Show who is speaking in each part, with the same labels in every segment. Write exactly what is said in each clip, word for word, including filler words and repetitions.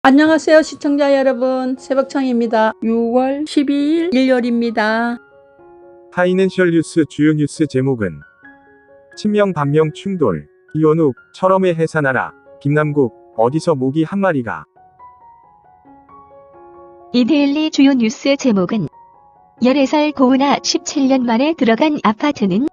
Speaker 1: 안녕하세요 시청자 여러분, 새벽창입니다. 유월 십이일 일요일입니다.
Speaker 2: 파이낸셜 뉴스 주요 뉴스 제목은 친명 반명 충돌, 이원욱, 철험의 해산하라, 김남국, 어디서 모기 한 마리가.
Speaker 3: 이데일리 주요 뉴스 제목은 열네 살 고은아 십칠 년 만에 들어간 아파트는.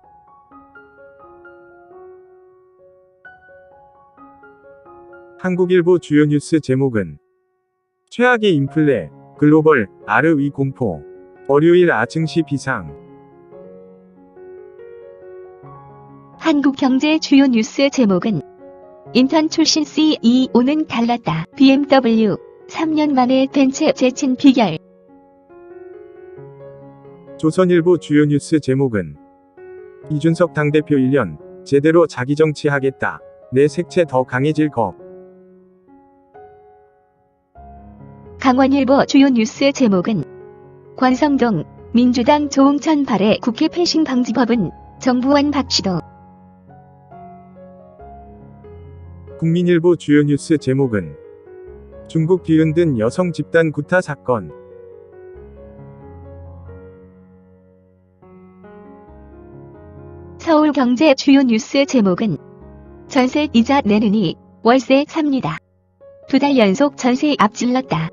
Speaker 2: 한국일보 주요 뉴스 제목은 최악의 인플레, 글로벌, 아르 위 공포, 월요일 아증시 비상.
Speaker 3: 한국경제 주요 뉴스 제목은 인턴 출신 씨이오는 갈랐다. 비엠더블유, 삼 년 만에 벤츠 재친 비결.
Speaker 2: 조선일보 주요 뉴스 제목은 이준석 당대표 일 년, 제대로 자기 정치하겠다. 내 색채 더 강해질 것.
Speaker 3: 강원일보 주요 뉴스 제목은 권성동, 민주당 조응천 발의 국회 패싱 방지법은 정부안 박시도.
Speaker 2: 국민일보 주요 뉴스 제목은 중국 뒤흔든 여성 집단 구타 사건.
Speaker 3: 서울경제 주요 뉴스 제목은 전세 이자 내느니 월세 삽니다. 두 달 연속 전세 앞질렀다.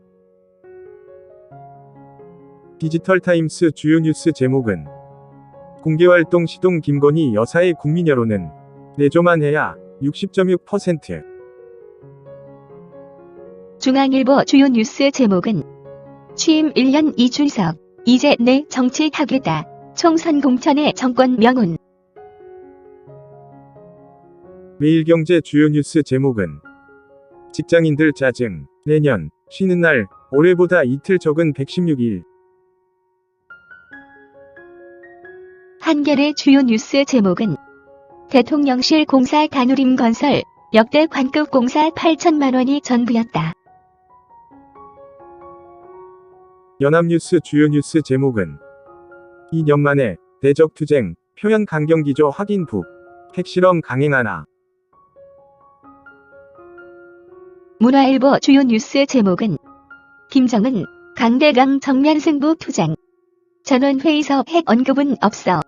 Speaker 2: 디지털타임스 주요 뉴스 제목은 공개활동 시동 김건희 여사의 국민 여론은 내조만 해야 육십 점 육 퍼센트.
Speaker 3: 중앙일보 주요 뉴스 제목은 취임 일 년 이준석, 이제 내 정치하겠다. 총선 공천의 정권 명운.
Speaker 2: 매일경제 주요 뉴스 제목은 직장인들 짜증, 내년, 쉬는 날, 올해보다 이틀 적은 백십육 일.
Speaker 3: 한겨레 주요 뉴스 제목은 대통령실 공사 간우림 건설, 역대 관급 공사 팔천만 원이 전부였다.
Speaker 2: 연합뉴스 주요 뉴스 제목은 이 년 만에 대적투쟁, 표현 강경기조 확인 북, 핵실험 강행하나.
Speaker 3: 문화일보 주요 뉴스 제목은 김정은, 강대강 정면 승부 투쟁. 전원회의서 핵 언급은 없어.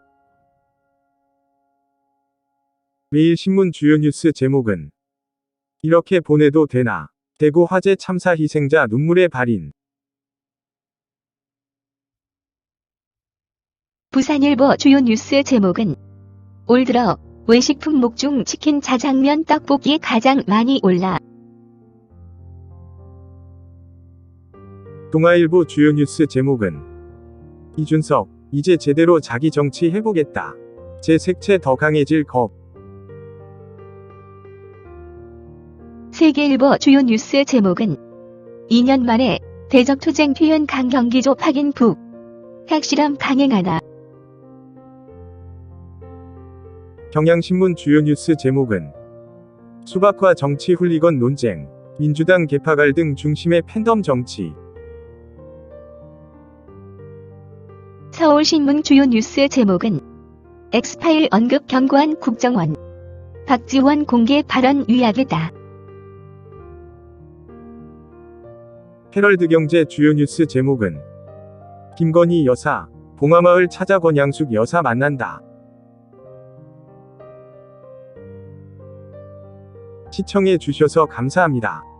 Speaker 2: 매일신문 주요 뉴스 제목은 이렇게 보내도 되나? 대구 화재 참사 희생자 눈물의 발인.
Speaker 3: 부산일보 주요 뉴스 제목은 올 들어 외식 품목 중 치킨, 자장면, 떡볶이 가장 많이 올라.
Speaker 2: 동아일보 주요 뉴스 제목은 이준석, 이제 제대로 자기 정치 해보겠다. 제 색채 더 강해질 겁.
Speaker 3: 세계일보 주요 뉴스 제목은 이 년 만에 대적투쟁 표현 강경기조 확인 북, 핵실험 강행하나.
Speaker 2: 경향신문 주요 뉴스 제목은 수박과 정치 훌리건 논쟁, 민주당 개파 갈등 중심의 팬덤 정치.
Speaker 3: 서울신문 주요 뉴스 제목은 엑스파일 언급 경고한 국정원, 박지원 공개 발언 위약이다.
Speaker 2: 헤럴드경제 주요 뉴스 제목은 김건희 여사, 봉화마을 찾아 권양숙 여사 만난다. 시청해 주셔서 감사합니다.